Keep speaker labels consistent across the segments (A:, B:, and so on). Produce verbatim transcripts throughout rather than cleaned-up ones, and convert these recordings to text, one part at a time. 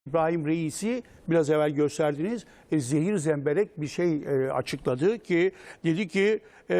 A: İbrahim Reis'i biraz evvel gösterdiğiniz e, zehir zemberek bir şey e, açıkladı ki dedi ki e,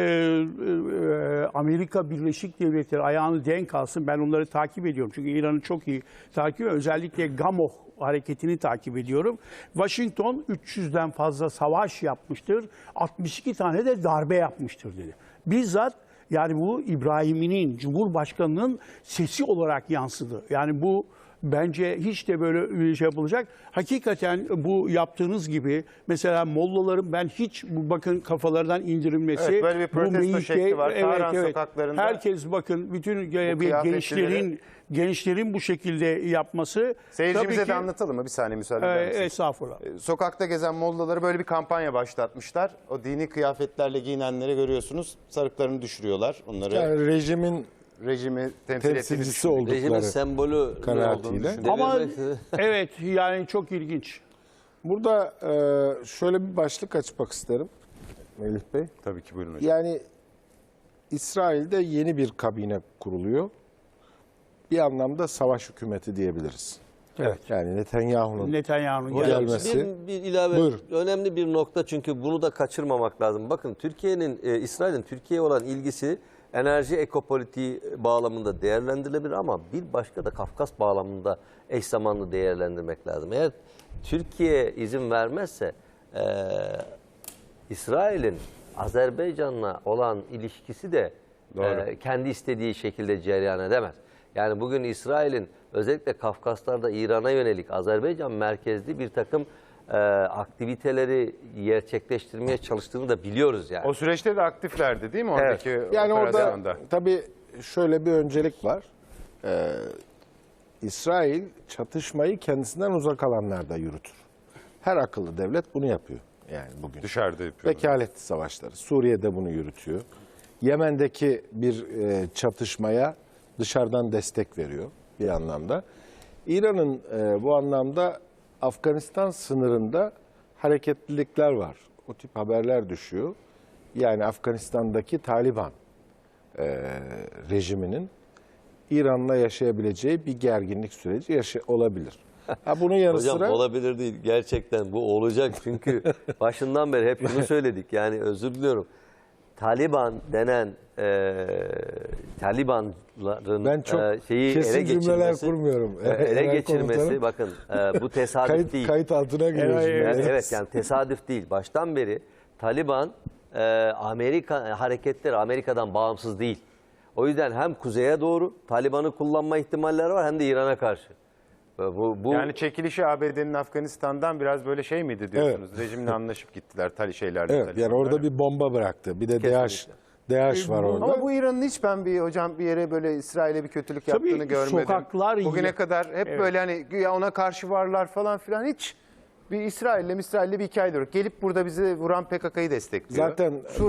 A: e, Amerika Birleşik Devletleri ayağını denk alsın. Ben onları takip ediyorum çünkü İran'ı çok iyi takip ediyorum. Özellikle Gamoh hareketini takip ediyorum. Washington üç yüzden fazla savaş yapmıştır. altmış iki tane de darbe yapmıştır dedi. Bizzat yani bu İbrahim'in, Cumhurbaşkanı'nın sesi olarak yansıdı. Yani bu bence hiç de böyle bir şey yapılacak. Hakikaten bu yaptığınız gibi mesela mollaların ben hiç bu bakın kafalardan indirilmesi.
B: Evet, böyle bir protesto
A: bu meyike,
B: şekli var.
A: evet,
B: Tahran
A: evet.
B: sokaklarında.
A: Herkes bakın bütün gençlerin gençlerin bu şekilde yapması.
B: Seyircimize
A: ki,
B: de anlatalım mı? Bir saniye müsaade eder misiniz?
A: E, estağfurullah.
B: Sokakta gezen mollaları böyle bir kampanya başlatmışlar. O dini kıyafetlerle giyinenleri görüyorsunuz. Sarıklarını düşürüyorlar. Onları
C: Yani rejimin
B: rejimi temsil
C: temsilcisi
B: ettiğini
C: oldukları
D: Rejimin sembolü
C: kanaatiyle.
A: Ama evet yani çok ilginç.
C: Burada e, şöyle bir başlık açmak isterim Melih Bey.
B: Tabii ki, buyurun hocam.
C: Yani İsrail'de yeni bir kabine kuruluyor. Bir anlamda savaş hükümeti diyebiliriz.
A: Evet.
C: Yani Netanyahu'nun
A: Netanyahu'nun
D: Hocam,
C: gelmesi.
D: bir, bir ilave
C: Buyurun.
D: önemli bir nokta çünkü bunu da kaçırmamak lazım. Bakın Türkiye'nin, e, İsrail'in Türkiye'ye olan ilgisi enerji ekopolitiği bağlamında değerlendirilebilir ama bir başka da Kafkas bağlamında eş zamanlı değerlendirmek lazım. Eğer Türkiye izin vermezse e, İsrail'in Azerbaycan'la olan ilişkisi de e, kendi istediği şekilde cereyan edemez. Yani bugün İsrail'in özellikle Kafkaslar'da İran'a yönelik Azerbaycan merkezli bir takım e, aktiviteleri gerçekleştirmeye çalıştığını da biliyoruz yani.
B: O süreçte de aktiflerdi değil mi oradaki
C: Yani orada
B: operasyonda?
C: tabii şöyle bir öncelik var. Ee, İsrail çatışmayı kendisinden uzak alanlarda yürütür. Her akıllı devlet bunu yapıyor yani bugün.
B: Dışarıda yapıyorlar.
C: Vekaletli savaşları. Suriye'de bunu yürütüyor. Yemen'deki bir e, çatışmaya dışarıdan destek veriyor bir anlamda. İran'ın e, bu anlamda Afganistan sınırında hareketlilikler var. O tip haberler düşüyor. Yani Afganistan'daki Taliban e, rejiminin İran'la yaşayabileceği bir gerginlik süreci yaşa olabilir. Ha, bunun yanı
D: Hocam
C: sıra
D: olabilir değil. Gerçekten bu olacak. Çünkü başından beri hep şunu söyledik. Yani özür diliyorum. Taliban denen e, Talibanların
C: ben çok
D: e, şeyi
C: kesin
D: ele
C: cümleler
D: geçirmesi,
C: kurmuyorum.
D: e, ele
C: Genel
D: geçirmesi
C: komutanım,
D: bakın e, bu tesadüf
C: kayıt,
D: değil.
C: kayıt altına giriyoruz.
A: Evet,
D: Yani
C: Evet.
D: evet yani tesadüf değil. Baştan beri Taliban e, Amerika hareketleri Amerika'dan bağımsız değil. O yüzden hem kuzeye doğru Taliban'ı kullanma ihtimalleri var hem de İran'a karşı. Bu, bu
B: Yani çekilişi A B D'nin Afganistan'dan biraz böyle şey miydi diyorsunuz? Rejimle anlaşıp gittiler tali şeylerle.
C: Evet, yani orada bir bomba bıraktı. Bir de DAEŞ, DAEŞ var orada.
B: Ama bu İran'ın hiç ben bir hocam bir yere böyle İsrail'e bir kötülük
A: Tabii
B: yaptığını görmedim.
A: sokaklar
B: Bugüne
A: iyi.
B: kadar hep
A: Evet.
B: böyle hani güya ona karşı varlar falan filan hiç bir İsrail'le İsrail'le bir hikaye yok. Gelip burada bizi vuran P K K'yı destekliyor.
C: Zaten